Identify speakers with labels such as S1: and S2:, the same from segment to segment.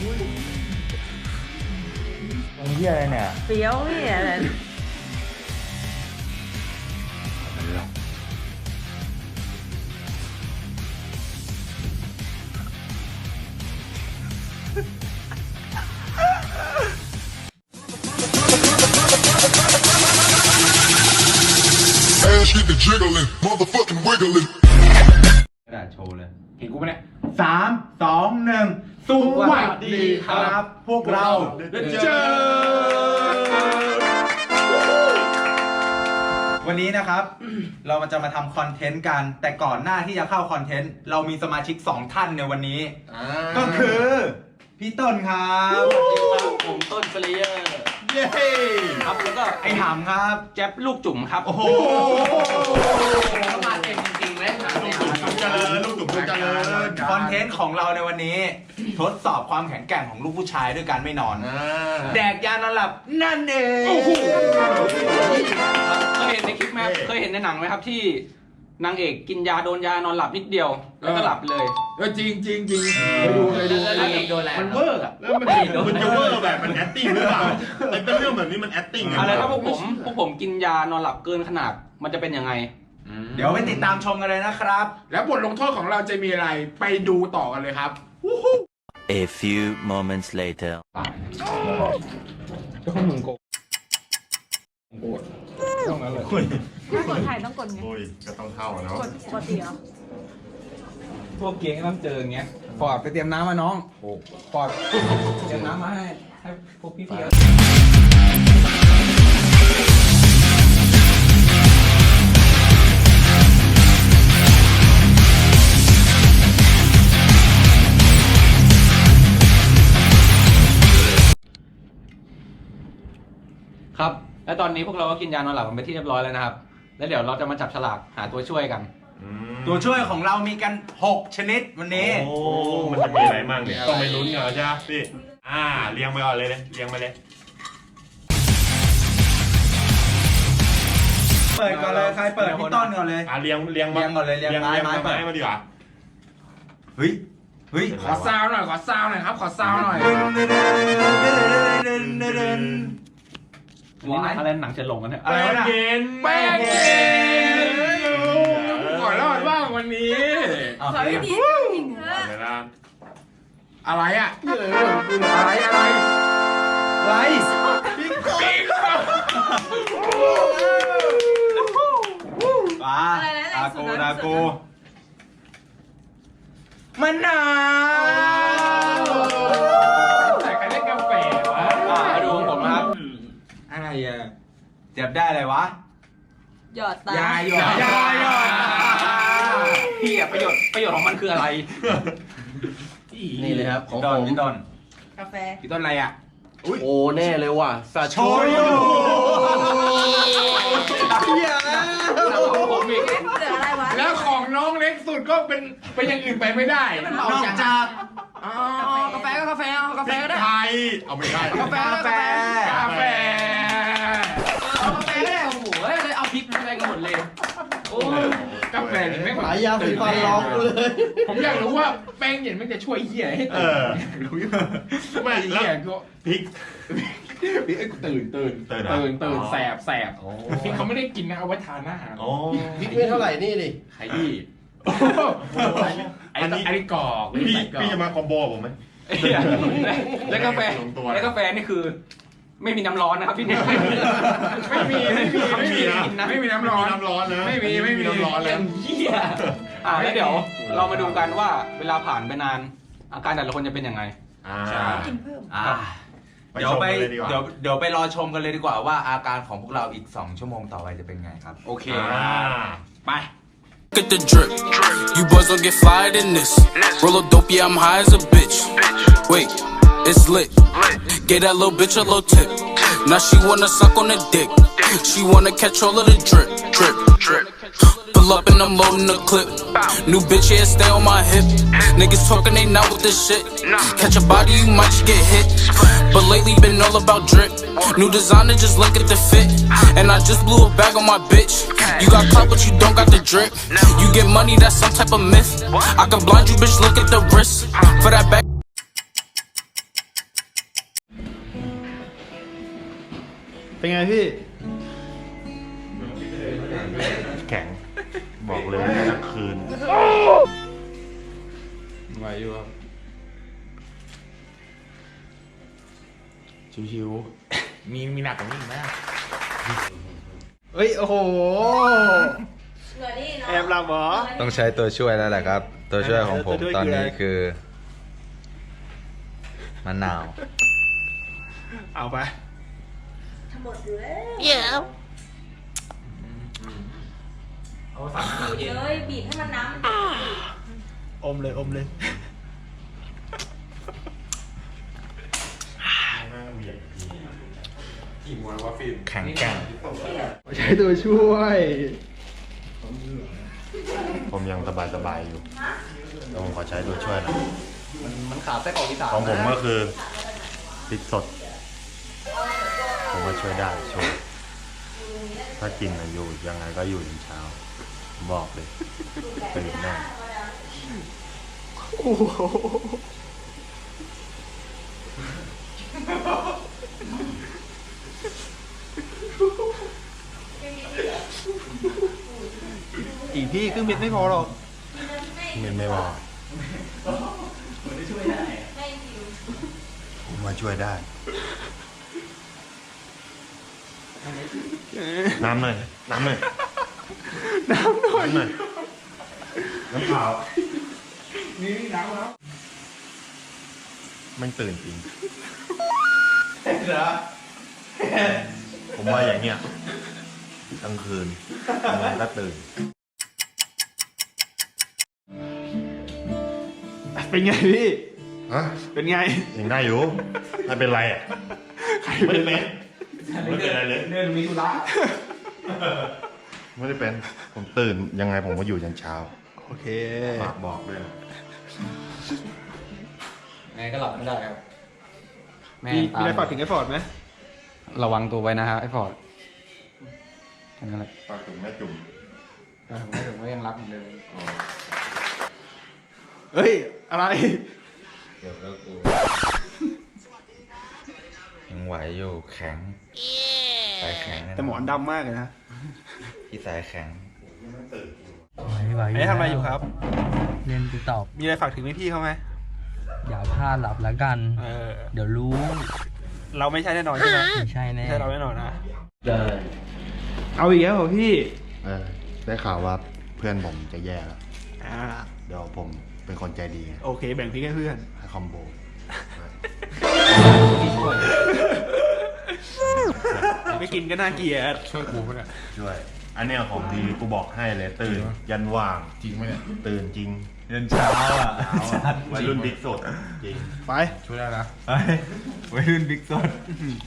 S1: มึงเหี้ยอะไรเนี่ย
S2: เฟี้ยวพี่อะไร
S3: Get the jiggling, motherfucking wiggling.
S1: กระดาษโชว์เลย
S4: เห็นกูปะเนี่ย
S1: 3 2 1สวัสดีครับ พวกเราเจอวันนี้นะครับ เราจะมาทำคอนเทนต์กัน แต่ก่อนหน้าที่จะเข้าคอนเทนต์ เรามีสมาชิก 2 ท่านในวันนี้ ก็คือพี่ต้นครับ
S5: สวัสดีครับผมต้นเฟลเยอร์
S1: เย้
S5: ครับแล้วก็
S1: ไอ้หำครับ
S5: แจ๊บลูกจุ๋มครับ
S1: โอ้โห
S5: เขามาเต็มจริงๆเลยครับ
S4: เจริญลูกจุ๋มเจริญ
S1: คอนเทนต์ของเราในวันนี้ ทดสอบความแข็งแกร่งของลูกผู้ชายด้วยการไม่นอน แดกยานอนหลับนั่นเอง
S5: เคยเห็นในคลิปไหมครับเคยเห็นในหนังไหมครับที่นางเอกกินยาโดนยานอนหลับนิดเดียวแล้วก็หลับเลย
S4: จริงไปดู
S5: แล้วนางเอกโดนอะไรมันเวอร์อะ
S6: แล้วมันจะเวอร์แบบมันแอคติ้งหรือเปล่าไอ้เป็นเรื่องแบบนี้มันแอคติ้ง
S5: อะไรถ้าพวกผมกินยานอนหลับเกินขนาดมันจะเป็นยังไง
S1: เดี๋ยวไปติดตามชมกันเลยนะครับ
S4: แล้วบทลงโทษของเราจะมีอะไรไปดูต่อกันเลยครับ
S7: A few moments later.
S2: ถ้ากดถ่ายต้องกดไง
S6: โอ้ยก็ต้องเข้าเนาะ
S2: กดปกติเหรอ
S5: พวกเกียงต้องเจออย่างเงี้ยฟอร์ดไปเตรียมน้ำมาน้องฟอร์ดเตรียมน้ำมาให้พวกพี่ๆครับ และตอนนี้พวกเราก็กินยานอนหลับกันไปที่เรียบร้อยแล้วนะครับ แล้วเดี๋ยวเราจะมาจับฉลากหาตัวช่วยกัน
S1: ตัวช่วยของเรามีกัน 6 ชนิดวันนี้
S6: โอ้มันจะมีอะไรมั่งเนี่ยต้องไปลุ้นกันใช่ไหมพี่เรียงไปก่อนเลยเรียงไปเลย
S1: เปิดก่อนเลยใครเปิดพี่ต้นก่อนเลย
S6: เรียง
S1: เรียงก่อนเลยเรียงไม้
S6: ไม้มาดีกว่า
S1: เฮ้ย
S4: ขอซาวหน่อยครับ ขอซาวหน่อย
S5: อันนี้อะไรหนังจะลงกันเนี่ย
S1: อะไรวะน่ะ
S4: แป้งเย็นก่อนรอดบ้างวันนี้
S2: ขอให้ดีจริงเถอะ
S6: เวลา
S4: อะไรอ่ะอะไร
S1: ไร
S4: ปิ๊ก
S1: ปลาดาโกมะนาว
S4: แต่ใครเล่นกาแฟวะ
S5: มาดูของผมนะครับ
S1: อะไรอ่ะเจ็บได้อะไรวะ
S2: หยอดตา
S1: ยาหยอด
S5: พี่อะประโยชน์ของมันคืออะไร
S8: นี่เลยครับของ
S1: ด
S8: ผ
S1: อน
S8: ม
S1: พี่ต้น
S2: กาแฟ
S1: พี่ต้นอะไรอ่ะ
S8: โอ้แน่เลยว่ะซา
S1: โช
S8: โช
S1: ยุ
S5: ผมอีก
S2: เหลืออะไรวะ
S4: แล้วของน้องเล็กสุดก็เป็นอย่างอื่นไปไม่ได้
S1: นอกจาก
S5: กาแฟก็กาแฟเอากาแฟก็ได้
S6: ไทยเอาไม่ได้
S5: กาแฟ
S1: กาแฟ
S4: กาแฟ
S5: เอากาแฟก็ได้โอ้โหเลยเอาพริกอะไรกันหมดเลยโอ้
S4: กาแฟนี่ไม่
S8: หายาสีฟันร้องกูเลย
S4: ผมอยากรู้ว่าแป้งเย็นมันจะช่วยเหี้ยให้
S6: เอ
S4: ตื่น
S6: อไม่
S4: เหี้ยก็
S6: พริก
S4: ตื่นแสบที่เขาไม่ได้กินนะเอาไว้ทานอาหาร
S6: โอ้
S8: พริกไม่เท่าไหร่นี่ดิ
S4: ขยี้อันนี้กรอก
S6: พี่จะมาคอมโบผมไหม
S5: แล้วกาแฟนี่คือ ไม่มีน้ำร้อนนะครับพี่เนี่ย
S4: ไม่มีไม่มีน้ำร้อน
S6: น้ำร้อนนะ
S4: ไม่มี
S6: น้ำร้อน
S5: เรื่
S6: แล้
S5: อ
S6: ว
S5: งเหี้ยแล้วเดี๋ยวเรามาดูกันว่าเวลาผ่านไปนาน อาการแต่ละคนจะเป็นยังไง
S2: กินเพิ่ม
S1: เดี๋ยวไปรอชมกันเลยดีกว่าว่าอาการของพวกเราอีก 2 ชั่วโมงต่อไปจะเป็นไงครับ
S5: โอเค
S4: ไป
S9: Look at the drip. You boys don't get flyer than this. Roll a dope, yeah, I'm high as a bitch. Wait, it's lit. Gave that little bitch a little tip. Now she wanna suck on the dick. She wanna catch all of the drip, drip, drip. Pull up and I'm loading the clip. New bitch, yeah, stay on my hip. Niggas talking, they not with this shit. Catch a body, you might just get hit. But lately been all about drip. New designer, just look at the fit. And I just blew a bag on my bitch. You got clout, but you don't got the drip. You get money, that's some type of myth. I can blind you, bitch, look at the wrist. For that bag.
S4: เป็นไงพี่
S6: แข็ง บอกเลยทั้งคืน
S5: ไหวอยู่ครับ
S4: ชิว
S5: มีหนักกว่านี้อีกไหม
S4: ๆเฮ้ย โอ้โห
S2: เหลือนี่เนาะ
S4: แอบหลับเหรอ
S1: ต้องใช้ตัวช่วยแล้วแหละครับ ตัวช่วยของผม
S4: ตัวช่วย
S1: ตอนนี้
S4: คืออะไร
S1: คือมะนาว
S4: เอาไป
S2: ทั้งหมดอยู่แล้ว
S5: เอาสั่งให้เราเย็น
S2: เลยบีบให้มันน้ำ
S4: อมเลยอมเลย
S5: กี่โมงแล้ววะฟิล์ม
S1: แข็งแกร่ง
S4: ใช้ตัวช่วย
S6: ผมยังสบายๆอยู่แต่ผมขอใช้ตัวช่วยหนะ
S5: มันขาดไส้กรอกอีสาน
S6: ของผมก็คือพริกสด ผมว่าช่วยได้ช่วย ถ้ากินอะอยู่ยังไงก็อยู่ถึงเช้า บอกเลยตื่นแน่
S4: โอ้โห อีกพี่ครึ่งเม็ดไม่พอหรอก
S6: ไม่บอกผมมาช่วยได้ น้ำหน่อยน้ำหน่อยน้ำเปล่านี่น้ำแล้วมันตื่นจริงผมว่าอย่างเงี้ยกลางคืนมันก็ตื่น
S4: เป็นไงพี่
S6: ฮะ
S4: เป็นไง
S6: ยังได้อยู่ไม่เป็นไรอ่ะไม่ได้เป็นไม่เป็นอะไรเลย
S5: เดินมีธุระ
S6: ไม่ได้เป็นผมตื่นยังไงผมก็อยู่ยันเช้า
S4: โอเค
S6: ฝากบอกด้วย
S5: ไงก็หลับไม่ได้ครับแม่
S4: มี
S5: ตาม
S4: อะไรฝากถึงไอ้ฟอร์ดไหม
S5: ระวังตัวไว้นะฮะไอ้ฟอร์ดแค่นั้นแหละ
S6: ฝากถึงแม่จุ่ม
S5: แต่ผมไม่ถึงว่ายังรักเหมือนเดิม
S4: เฮ้ย อะไร
S1: เดี๋ยวก็กูยังไหวอยู่แข็งสายแข็ง
S4: แต่หมอนดำมากเลยนะ
S1: พี่สายแข็ง
S4: ไอ้ทำอะไรอยู่ครับ
S10: เรียนติดตอบ
S4: มีอะไรฝากถึงพี่ๆเขาไหม
S10: อย่าพลาดหลับแล้วกัน เดี๋ยวรู้
S4: เราไม่ใช่แน่นอนใช่ไหม
S10: ไม่ใช่แน่
S4: ไม่ใช่เราแน่นอนนะ
S8: ได้
S4: เอาอีกแล้วเหรอพี่
S6: ได้ข่าวว่าเพื่อนผมจะแย่แล้ว
S4: อ่า
S6: เดี๋ยวผมเป็นคนใจดีไง
S4: โอเค แบ่งพริกให้เพื่อน
S6: ให้คอมโบ
S4: ไม่กินก็น่าเกลียด
S5: ช่วยกูปะเนี่ย
S6: ช่วย อันเนี้ยของดีกูบอกให้เลยตื่นยันว่าง
S5: จริงไหมเนี่ย
S6: ตื่นจริง
S1: เดินเช้าอ่ะ
S6: วัยรุ่นบิ๊กสดจริง
S4: ไป
S5: ช่วยได้นะ
S1: ไปวัยรุ่นบิ๊กสด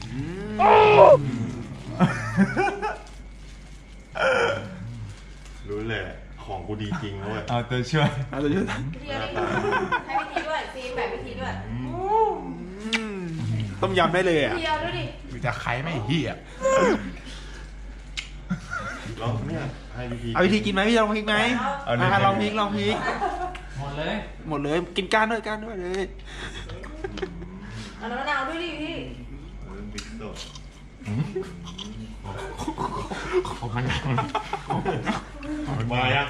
S6: รู้เลยของกูดีจริงด้วย
S1: เอาตัวช่วย
S4: เอาตัวช่วย
S2: วิธีให้วิธีด้วยฟิล์มแบบวิธีด้วย
S4: ต้มยำได้เลยอ่ะ
S2: เดียวด้วยดิ
S5: มีแต่ใครไม่เหี้ย
S6: ลองเนี่ยให้วิธี
S4: เอาวิธีกินไหมพี่จะลองพริกไหม
S1: เอาหนึ่ง
S4: ลองพริกลองพริก
S5: หมดเลย
S4: หมดเลย กินก้านด้วยเลย
S2: เอาน้ำมะนาวด้วยดิพี่
S6: วัยรุ่นบิ๊กสด
S5: ของมัน
S6: มายัง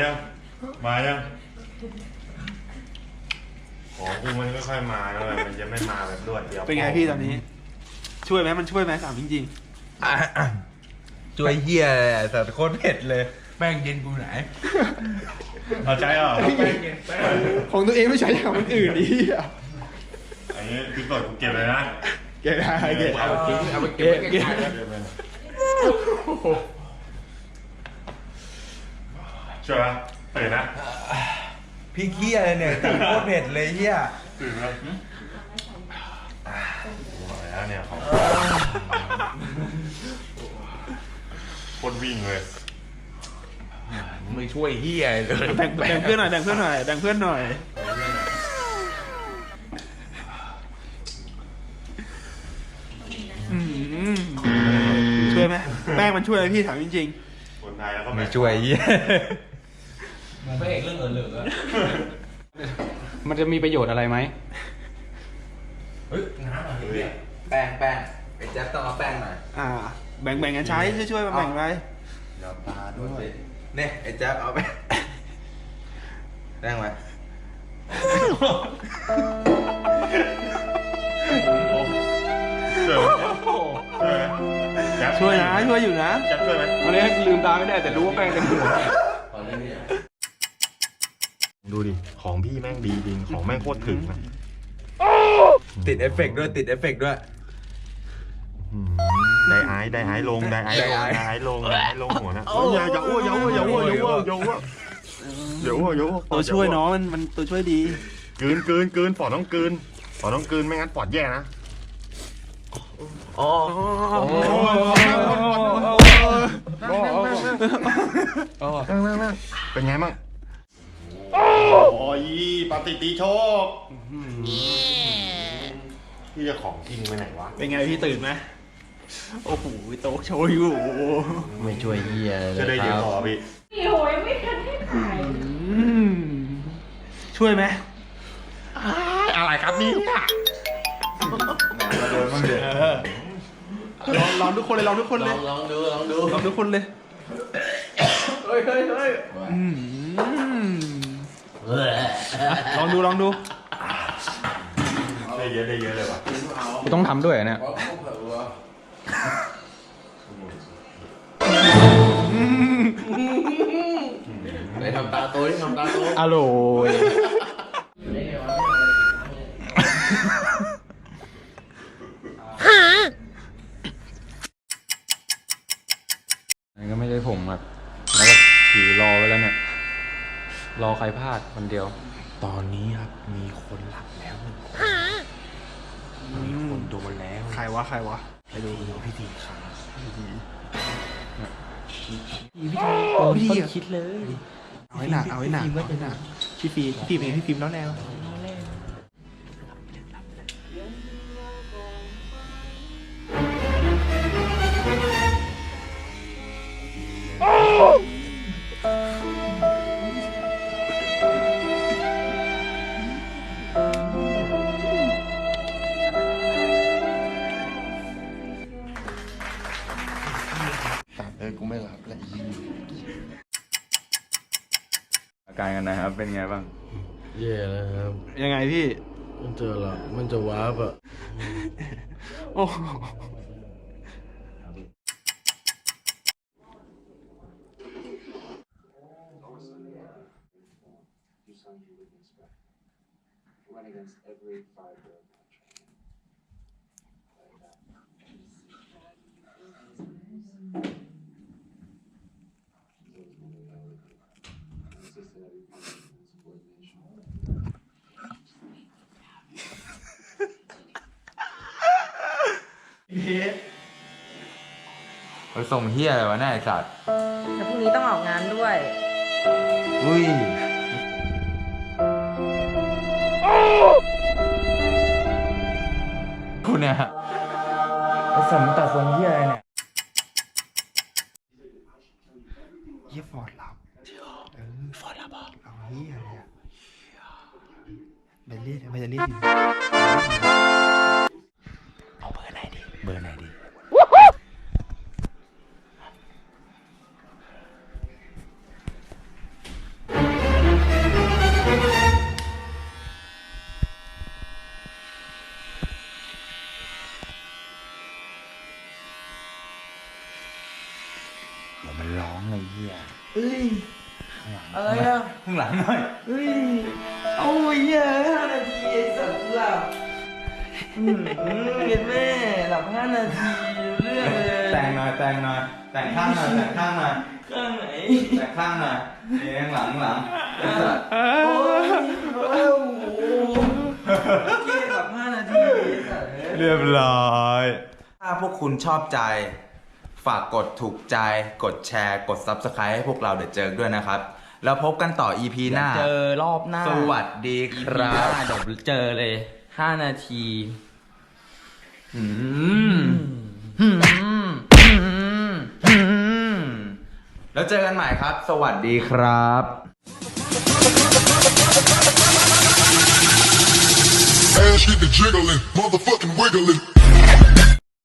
S6: ของกูมันค่อยๆมาแล้วมันจะไม่มาแบบรวดเดียว
S4: เป็นไงพี่ตอนนี้ ช่วยไหมมันช่วยไหมถามจริง
S1: ช่วยเฮียเลยอ่ะแต่โคตรเผ็ดเลย
S5: แป้งเย็นกูไหน
S6: เอาใจเหรอ
S4: ๆ ของตัวเองไม่ใช่ของคนอื่นดิ
S6: อันนี้บิ๊กสดกูเก็บเลยนะ
S4: เก็บได้เก็บ
S5: เอาไปทิ้งเอาไปเก็บ
S4: เก็บ
S6: ช่วยปะตื่นนะ
S1: พี่เฮียเลยเนี่ยแต่โคตรเผ็ดเลยเฮีย
S6: ตื่นแล้วบอกแล้วเนี่ยของคนวิ่งเลย
S5: ไม่ช่วยเหี้ยเลย
S4: แบ่งเพื่อนหน่อยแบ่งเพื่อนหน่อยแบ่งเพื่อนหน่อยช่วยไหมแป้งมันช่วยไหมพี่ถามจริง
S6: คนไทยแล้วก็
S1: ไม่ช่วยเฮีย
S5: มึงพระเอกเรื่องเหลือมันจะมีประโยชน์อะไรไหม
S1: แป้งไอ้แจ๊บต้องเอาแป้งหน่อย
S4: แบ่งกันใช้ช่วยๆมาแบ่งไป
S1: เดี๋ยวปลาด้วยเนี่ยไอ้แจ๊บเอาไปแป้งไว้
S4: ช่วยนะช่วยอยู่นะ
S6: จะช่วยไหม
S4: วันนี้ลืมตาไม่ได้แต่รู้ว่าแป้งเต็มหัว
S6: ดูดิ ของพี่แม่งดีจริง ของแม่งโคตรถึงนะ
S1: ติดเอฟเฟกต์ด้วยติดเอฟเฟกต์ด้วย
S6: ไดไอซ์ลงไดไอซ์ลงหัวนะอย่าอ้ว
S4: ตัวช่วยน้องมันตัวช่วยดี
S6: กลืนปอดต้องกลืนไม่งั้นปอดแย่นะ นั่งเป็นไงมั่งโอ้ยปฏิติโชคพี่จะของทิ้งไปไหนวะ
S4: เป็นไงพี่ตื่นไหมโอ้โหโต๊ะโชว์อยู่
S8: ไม่ช่วยเฮียเลย
S6: จะได้
S8: ค
S6: เดี๋ยว
S8: รับ
S6: ขอพี่
S2: โอ้ยไม่ทันให้ถ่าย
S4: ช่วยไหม
S6: อะไรครับนี่
S1: โดนบ้างเดี๋ยว
S4: ลองทุกคนเลยลองทุกคนเลย
S8: ลองดู
S4: ลองทุกคนเลยลองดู
S6: ได้เยอะเลยว่ะ
S5: กูต้องทำด้วยเหรอเนี่ย
S8: ไหนทำตาโตที่ทำตาโต
S5: อร่อยนั่นก็ไม่ใช่ผมแบบแล้วก็ถือรอไว้แล้วเนี่ย รอใครพลาดคนเดียว
S6: ตอนนี้ครับมีคนหลับแล้ว1 คนมีคนโดนแล้ว
S4: ใครวะ
S6: ไปดูพิธีครับ
S4: พี่คิดเลยเอาไว้หนักพี่ฟิล์มเองพี่ฟิล์มแล้วแนว
S6: กูไม่หลับแล้ว
S5: อาการกันนะครับ เป็นไงบ้าง
S8: เย่แล้วครับ
S4: ยังไงพี่
S8: มันจะหลับมันจะว้าบอะ
S4: โอ้
S1: ไปส่งเฮียอะไรวะเนี่ยไอ้สัตว์
S2: แต่พรุ่งนี้ต้องออกงานด้วย
S1: อุ้ยคุณเนี่ยไอ้สัตว์มันตัดทรงเฮียอะไรเนี่ย
S4: เฮียฟอร์ดหลับฟอร์ดหลับเหรอเอาเฮียเลยอะมันจะเรียก
S1: เอาเบอร์ไหนดีเดี๋ยวมันร้องเลยเฮีย
S2: อะไรอ่ะ
S1: ข้างหลังหน่อย
S2: เอาเยอะ5 นาทีไอ้สัตว์หลับเห็นแม่หลับ5 นาทีเรื่องเลย
S1: แต่งหน่อยแต่งข้างหน่อย
S2: ข้างไหน
S1: แต่งข้างหน่อยนี่ข้างหลังไอ้สัตว์
S2: โอ้โหเกหลับ5 นาทีไอ้สัตว์
S1: เรียบร้อย ถ้าพวกคุณชอบใจ ฝากกดถูกใจ กดแชร์ กด Subscribe ให้พวกเราเดอะเจิร์กด้วยนะครับ แล้วพบกันต่อ EP หน้า
S10: เจอรอบหน้า
S1: สวัสดีครับ
S10: เดี๋ยวเจอเลย 5 นาที
S1: แล้วเจอกันใหม่ครับ สวัสดีครับ
S3: Ass get the jiggling, motherfucking wiggling.